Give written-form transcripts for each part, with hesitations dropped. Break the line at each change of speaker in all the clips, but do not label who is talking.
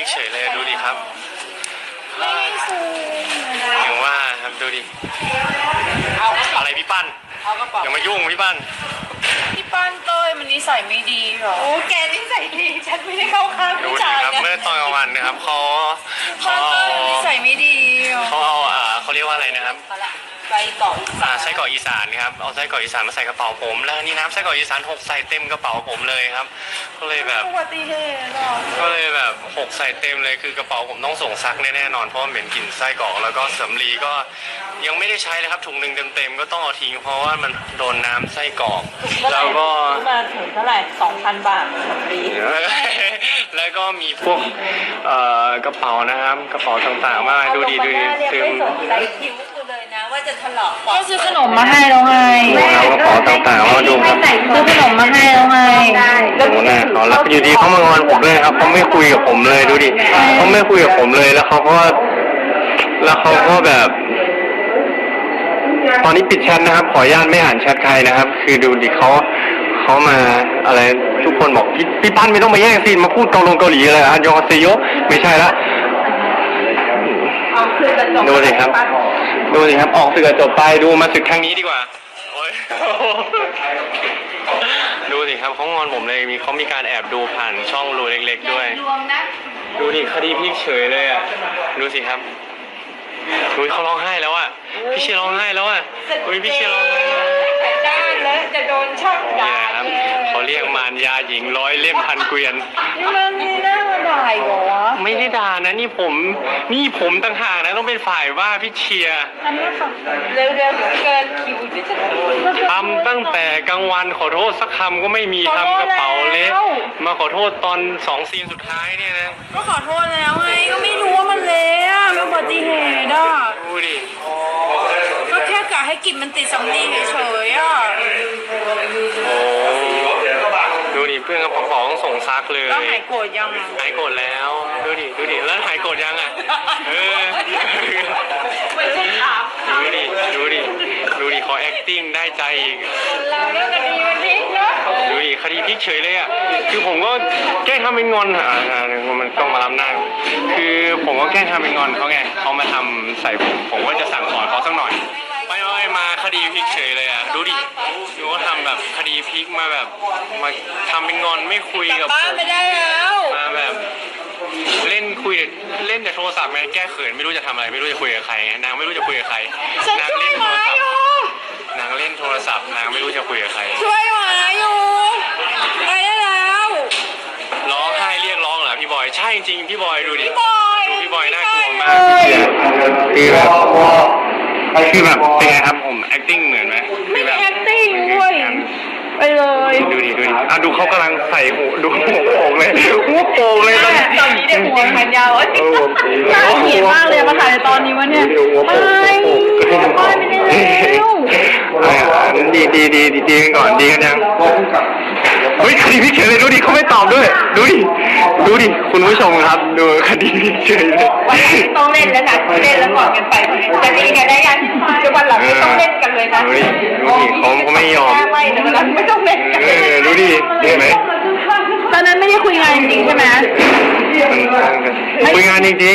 เฉยเลยดูดิครับ
ไม่ได้ซูม
อย่างว่าครับดูดิอะไรพี่ปั้นอย่ามายุ่งพี่ปั้น
พี่ป้านเต้ยมันนิสัยไม่ดีหรอโอ้แกนิสัยดีฉันไม่ได้เข้าข้าง
ดู
ผู้
ดิ
ชาย
ครับ
นะ
เมื่อตอนกลางวันนะครับ
ป้านเต้ยนิสัยไม่ดี
เขาเอาเขาเรียกว่าอะไรนะครับ
ไส้กรอก
ไส้กรอกอีสานครับเอาไส้กรอกอีสานมาใส่กระเป๋าผมแล้วนี่น้ำไส้กรอกอีสานหกใส่เต็มกระเป๋าผมเลยครับก็เลยแบบ
อุบัติเหตุหรอ
ก็เลยแบบหกใส่เต็มเลยคือกระเป๋าผมต้องส่งซักแน่นอนเพราะเหม็นกลิ่นไส้กรอกแล้วก็สำลีก็ยังไม่ได้ใช้เลยครับถุงหนึ่งเต็มๆก็ต้องเอาทิ้งเพราะว่ามันโดนน้ำไส้กรอกแล้วก็
มาถึงเท่าไหร่ 2,000 บาทปี
แล้วก็มีพวกกระเป๋านะครับกระเป๋าต่างๆมากดูดีซึม
ไรคิ้วกูเลยนะว่าจะถลอกก็ซื้อขนมมาให้แล้วไง
กระเป๋าต่างๆว่าดูครับ
ซื้อขนมมาให้แล้วไง
โอ้โหน่าเขาแล้วอยู่ดีเขามางอนผมเลยครับเขาไม่คุยกับผมเลยดูดิเขาไม่คุยกับผมเลยแล้วเขาก็แบบตอนนี้ปิดแชทนะครับขออนุญาตไม่อ่านแชทใครนะครับคือดูดิเขามาอะไรทุกคนบอกพี่ปั้นไม่ต้องมาแย่งซีนมาพูดเกาหลีอะไรอันยองเซโยไม่ใช่ละดูสิครับออกสื่อจบไปดูมาศึกครั้งนี้ดีกว่าโอ้ยดูสิครับเขางอนผมเลยเขามีการแอบดูผ่านช่องรูเล็กๆด้วยดูดิคดีพลิกเฉยเลยอ่ะดูสิครับดูเขาร้องไห้แล้วอ่ะพี่เชียร์ร้องไห้แล้วอ่ะพี่เชียร์ร้องไห้
ด้านแล้วจะโดนช่องด่า
ครับเขาเรียกมารยาหญิงร้อยเล่มพันเกวียน
มันนี่น่าด่าเหรอ
ไม่ได้ด่านะนี่ผมต่างหากนะต้องเป็นฝ่ายว่าพี่เชียร์
เร็วเกินคิวจะ
ทำตั้งแต่กลางวันขอโทษสักคำก็ไม่มีทำกระเป๋าเละมาขอโทษตอน2 ซีนสุดท้ายเนี่ยนะ
ก็ขอโทษแล้วไงก็ไม่รู้ว่ามันเละอะเป็นอุบัติเหตุอ่ะ
ดูดิ
ก็แค่กะให้กลิ่นมันติดสำลีเฉยๆอ่ะ
ดูดิเพื่อนกระเป๋าต้องส่งซักเลย
แล้วหายโกรธยัง
หายโกรธแล้วดูดิแล้วหายโกรธยังอ่ะ
ไม่ใช่ถาม
ดูดิเขา acting ได้ใจอีก
เราเรื่องคดีมันพลิกเนาะ
ดูดิคดีพลิกเฉยเลยอ่ะคือผมก็แกล้งทำเป็นงอนมันต้องมารับหน้าคือผมก็แกล้งทำเป็นงอนเขาไงเขามาทำใส่ผมก็จะสั่งสอนเขาสักหน่อยไม่มาคดีพลิกเฉยเลยอ่ะดูว่าทำแบบคดีพลิกมาแบบมาทำเป็นงอนไม่คุยกับ
บ้านไม่ได้แล้ว
มาแบบเล่นแต่โทรศัพท์ไงแก้เขินไม่รู้จะทำอะไรไม่รู้จะคุยกับใครนางไม่รู้จะคุยกับใครนางเล่นโทรศัพท์นางไม่รู้จะคุยกับใคร
ช่วยหมาอยู่ไปได้แล้ว
ร้องไห้เรียกร้องเหรอพี่บอยใช่จริงพี่บอยดูดิพี่บอยน่ากลัวมากคือแบบเป็นไงครับผม acting เหมือนไหม
ไม่ acting ด้วยไปเลย
ดูดิดูเขากำลังใส่หูดูหัวโป่งเลย
ตอนนี้เด็กหัวแขนยาวน่าเกลียดมากเลยมาถ่ายในตอนนี้วะเนี่ยไม่ได้แล้ว
ดีกันก่อนดีกันยังเฮ้ยคดีพี่เฉยเลยดูดิเขาไม่ตอบด้วยดูดิคุณผู้ชมครับดูคดีพี่เฉยเลย
วันหลังไม่ต้องเล่นแล้วนะเล่นแล้วก่อนกันไปจะดีกันได้ยังจะวันหลังไม่ต้องเล่นกันเลยนะ
ดูดิเขาไม่ยอม
ไม่ต้องเล่นกัน
ดูดิเห็นไหม
ตอนนั้นไม่ได้คุยงานจริงใช่ไหม
คุยงานจริง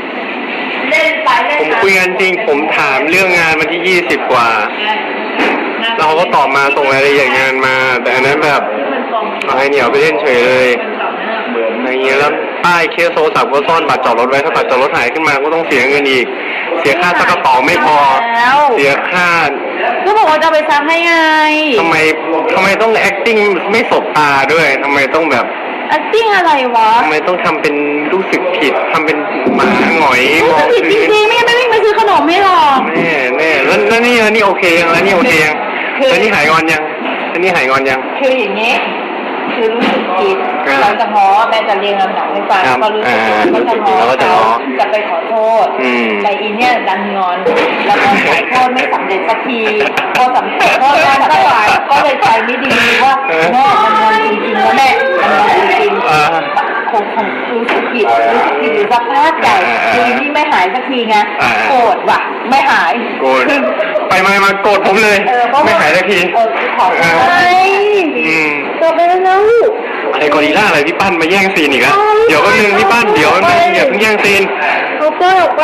ผมคุยงานจริงผมถามเรื่องงานมาที่20 กว่าเราก็ตอบมาส่งรายละเอียดงานมาแต่อันนั้นแบบเอาให้เหนียวไปเล่นเฉยเลยอย่างเงี้ยแล้วป้ายเคสโทรศัพท์ก็ซ่อนบัตรจอดรถไว้ถ้าบัตรจอดรถหายขึ้นมาก็ต้องเสียเงินอีกเสียค่าซักกระเป๋าไม่พอเสียค่า
ก็บอกว่าจะไปซักให้ไง
ทำไมต้อง acting ไม่สบตาด้วยทำไมต้องแบบ
acting อะไรวะ
ทำไมต้องทำเป็นรู้สึกผิดทำเป็นหมาหงอย
มองผิดจริงๆไม่วิ่งไปซื้อขนมไม่หรอก
แน่แล้วนี่โอเคยังแล้วนี่โอเคยังแล้วนี่หายงอนยัง
คืออย่างนี้คือรู้สึกผิดเราจะง้อแม่จะเรียงลำดับให้ฟังก็รู้สึกก็จะง้อเขาจะไปขอโทษแต่อีเนี่ยดันงอนแล้วก็ขอโทษไม่สำเร็จสักทีพอสำเร็จก็ได้ไม่ไหวก็เลยใจไม่ดีว่าแม่มันงอนจริงๆแล้วแม่มันงอนจริงๆคงรู้สึกผิดหรือสภาพใจคือนี่ไม่หายสักทีไงโกรธว่ะไม่หาย
โกรธไปมาโกรธผมเลยไม่หายสักที
ขอโทษตัวไปแล้ว
อะไรกอริลล่าอะไรพี่ปั้นมาแย่งซีนอีกแล้วเดี๋ยวแป๊บนึงพี่ปั้นเดี๋ยวแป๊บนึงอย่าเพิ่งแย่งซีน
เอาเปิดออกไป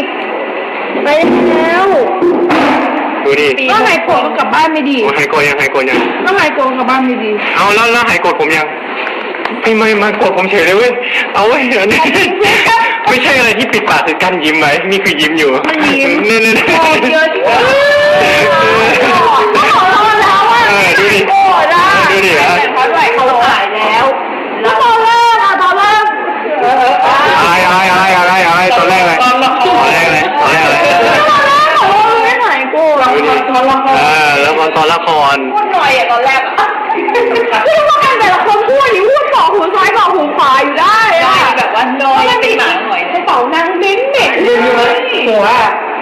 แล้ว
ดูดิ
ก็หายโกรธก็กลับบ้านไม่ดี
โอ้หายโกรธยังหายโกรธยัง
ก็หายโกรธกลับบ้านไม่ดี
เอาแล้วหายโกรธผมยังไม่มาโกรธผมเฉยเลยเว้ยเอาเว้ยอันนี้ไม่ใช่อะไรที่ปิดปากคือกั้นยิ้มไว้นี่คือยิ้มอยู่
มันยิ้ม
เนี่ย
โกรธเยอะจริงก็ขอโทษแล้วอ่ะ
ดูดิ
โกรธอ่ะ
ดูดิ
แต่เขาไหวเขาหายแล้วแล้วตอนแรกอะตอนแรก
อะไรตอนแรกอะไร
ไม่หายโกรธ
ดูดิแล้วตอนละคร
พูดหน่อยอะตอนแรกอะคือว่ากันแต่ละคนพูดอย่างพูดบอกหูซ้ายบอกหูขวาอยู่ได้อะแบบว่าน้อยเป็นหมาหน่อยกระเป๋านางเบ้นเด็กเลยหัว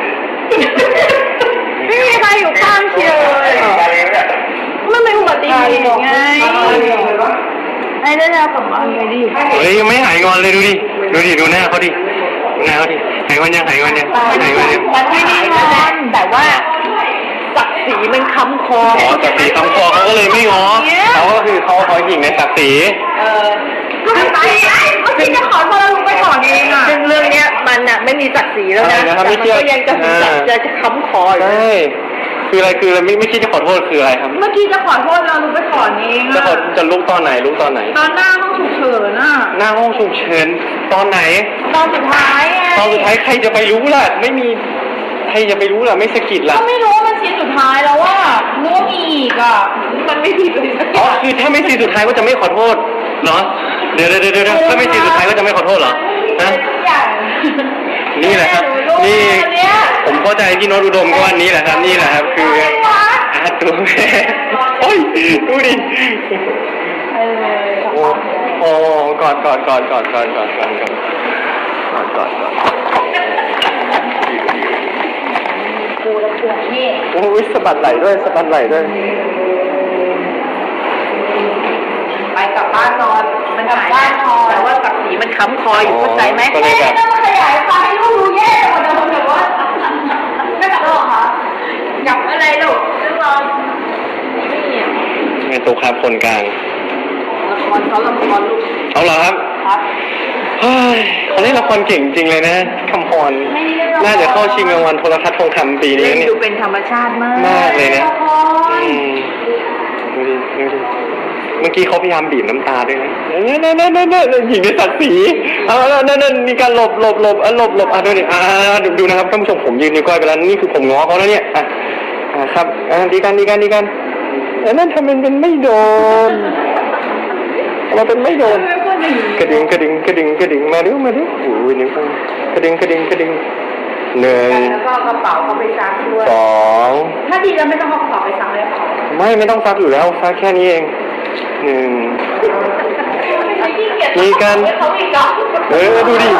ไม่มีใครอยู่ข้างเชียร์เลยมันเป็นอุบัติเหตุไงไอ้ได้แล้วกลับบ้านไปดิ
เฮ้ยยังไม่หายงอนเลยดูดิดูหน้าเขาดิหายงอนยัง
มันไม่ได้งอนแต่ว่าศักดิ์ศรีมันค้ำคอ
ศักดิ์ศรีคำคอเขาก็เลยไม่ง้อเขาก็คือเขาหญิงในศักดิ์ศรี
ก็ไม่ไปเมื่อกี้จะขอโทษลุงไปถอนเองอ่ะซึ่งเรื่องเนี้ยมันอ่ะไม่มีศักดิ์ศรีแล้วนะแต่มันก็ยังจะค้ำคออยู่
ใช่คืออะไรไม่คิดจะขอโทษคืออะไรครับ
เมื่อกี้จะขอโทษเราลุงไปถอนเองอ่ะ
จะลุกตอนไหน
ตอนหน้าห้องฉุกเฉินอ่ะ
หน้าห้องฉุกเฉินตอนไหน
ตอนสุดท้ายไง
ตอนสุดท้ายใครจะไปรู้ล่ะไม่มีใครจะไปรู้ล่ะไม่สะกิดล่ะ
ก็ไม่รู้ว่ามันซีนสุดท้ายแล้วว่านึกว่ามีอีกอ่ะมันไม่ผิดเลยสักอ
อ๋อย่าง คือถ้าไม่ซีนสุดท้ายก็จะไม่ขอโทษเหรอเดี๋ยวถ้าไม่ซีนสุดท้ายก็จะไม่ขอโทษเหรอฮะ
ทุกอย่าง
นี่แหละครับนี่ผมเข้าใจพี่โน้ตอุดมก็ว่านี้แหละครับนี่แหละครับคือตัวแม่โอ้ยดูดิโอ้กอด
กูแล้วปวดนี่
โอ้ยสะบัดไหลด้วย
ไปกลับบ้านนอนมันกลับบ้านนอนแต่ว่าศักดิ์ศรีมันค้ำคออยู่เข้าใจไหม
ก็เลยแบบ
ต้องขยายไฟลูกรู้แย่กว่าเดิมแบบว่าไม่กลับหรอคะกลับอะไรลูกเรื่องนอนนี่
ไงตัวครับคนกลาง
ละครลูก
เอาเหรอครับ
ครับ
เฮ้ยเขาเล่นละครเก่งจริงเลยนะคำพรน่าจะเข้าชิงรางวัลโทรทัศน์ทองคำปีนี้
เล่น
เนี่ย
ดูเป็นธรรมชาติมาก
มากเลยนะดูดิเมื่อกี้เขาพยายามบีบน้ำตาด้วยนะนั่นหญิงในศักดิ์ศรีนั่นมีการหลบดูดิดูนะครับท่านผู้ชมผมยืนนิ้วก้อยไปแล้วนี่คือผมง้อเขาแล้วเนี่ยครับดีกันนั่นทำเป็นไม่โดนเราเป็นไม่โดนกระดิ่งมาดิโอ้ยนิ้วกระดิ่งหนึ่ง
แล้วก็กระเป๋าเขาไปซักด้วย
สอง
ถ้าดีแล้วไม่ต้องเอากระเป๋าไปซักเลยค่ะ
ไม่ต้องซักอยู่แล้วซักแค่นี้เองหนึ่งมีกันดูดิ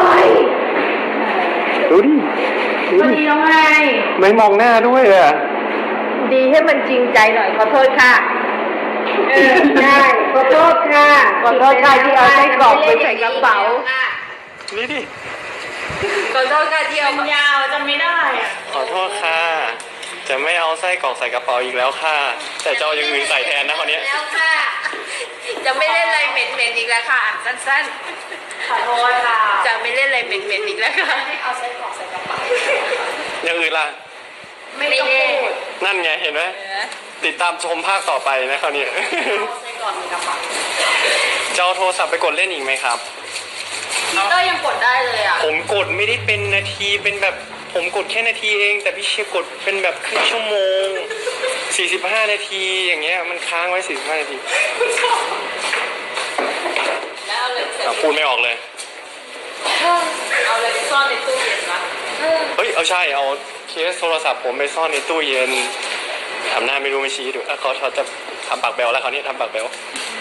มันดีแล้วไง
ไม่มองหน้าด้วยอ่ะ
ดีให้มันจริงใจหน่อยขอโทษค่ะได้ขอโทษค่ะที่เอาไส้กรอกไปใส่กระเป๋า
นี่ดิ
ขอโทษค่ะที่เอายาวจำไม่ได้อะ
ขอโทษค่ะจะไม่เอาไส้กรอกใส่กระเป๋าอีกแล้วค่ะแต่จะเอาอย่างอื่นใส่แทนนะคนนี้
แล้วค่ะจะไม่เล่นอะไรเหม็นๆอีกแล้วค่ะสั้นๆขอโทษค่ะจะไม่เล่นอะไรเหม็นๆอีกแล้วค่ะให้เอาไส้กรอกใส่กระเป๋า
อย่างอื่นล่ะ
ไม่เล่น
นั่นไงเห็นไหมติดตามชมภาคต่อไปนะคราวนี้
ไส้กรอกในกระเป๋า
จะเอาโทรศัพท์ไปกดเล่นอีกไหมครับ
ก็ยังกดได้เลยอ่ะ
ผมกดไม่ได้เป็นนาทีเป็นแบบผมกดแค่นาทีเองแต่พี่เชียร์กดเป็นแบบครึ่งชั่วโมง45 นาทีอย่างเงี้ยมันค้างไว้45 นาที
แล้วเอาเลยเสร็จ
พูดไม่ออกเลย
เอาเลยไปซ่อนในตู้เย็นนะ
เฮ้ยเอาใช่เอาเคสโทรศัพท์ผมไปซ่อนในตู้เย็นทำหน้าไม่รู้ไม่ชี้ดูเขาจะทำปากแบลแล้วเขาเนี่ยทำปากแบล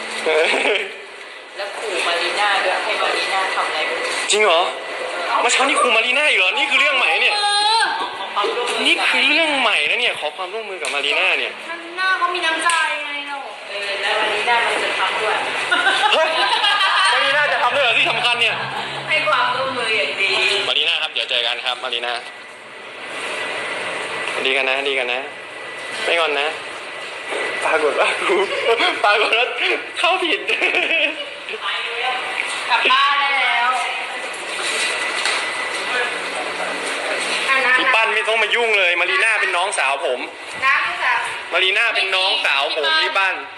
แล้วขู่มารีน่าด้วยให้มารีน่าทำอะไรไม่รู้
จริงเหรอเมื่อเช้านี่ครูมารีน่าอีกเหรอนี่คือเรื่องใหม่เนี่ยนี่คือเรื่องใหม่นะเนี่ยขอความร่วมมือกับมารีน่าเนี่ย
มารีน่าเขามีน้ำใจไงเราแล้วมารีน่ามันจะทำด้วย
เฮ้ยมารีน่าจะทำด้วยเหรอที่สำคัญเนี่ย
ให้ความร่วมมืออย่างดี
มารีน่าครับเดี๋ยวเจอกันครับมารีน่าดีกันนะไม่งอนนะปรากฏว่าเข้าผิด
กลับบ้านได้แล้ว
พี่ปั้นไม่ต้องมายุ่งเลยมารีน่าเป็นน้องสาวผม
น้ำค่ะ
มารีน่าเป็นน้องสาวผมพี่ปั้น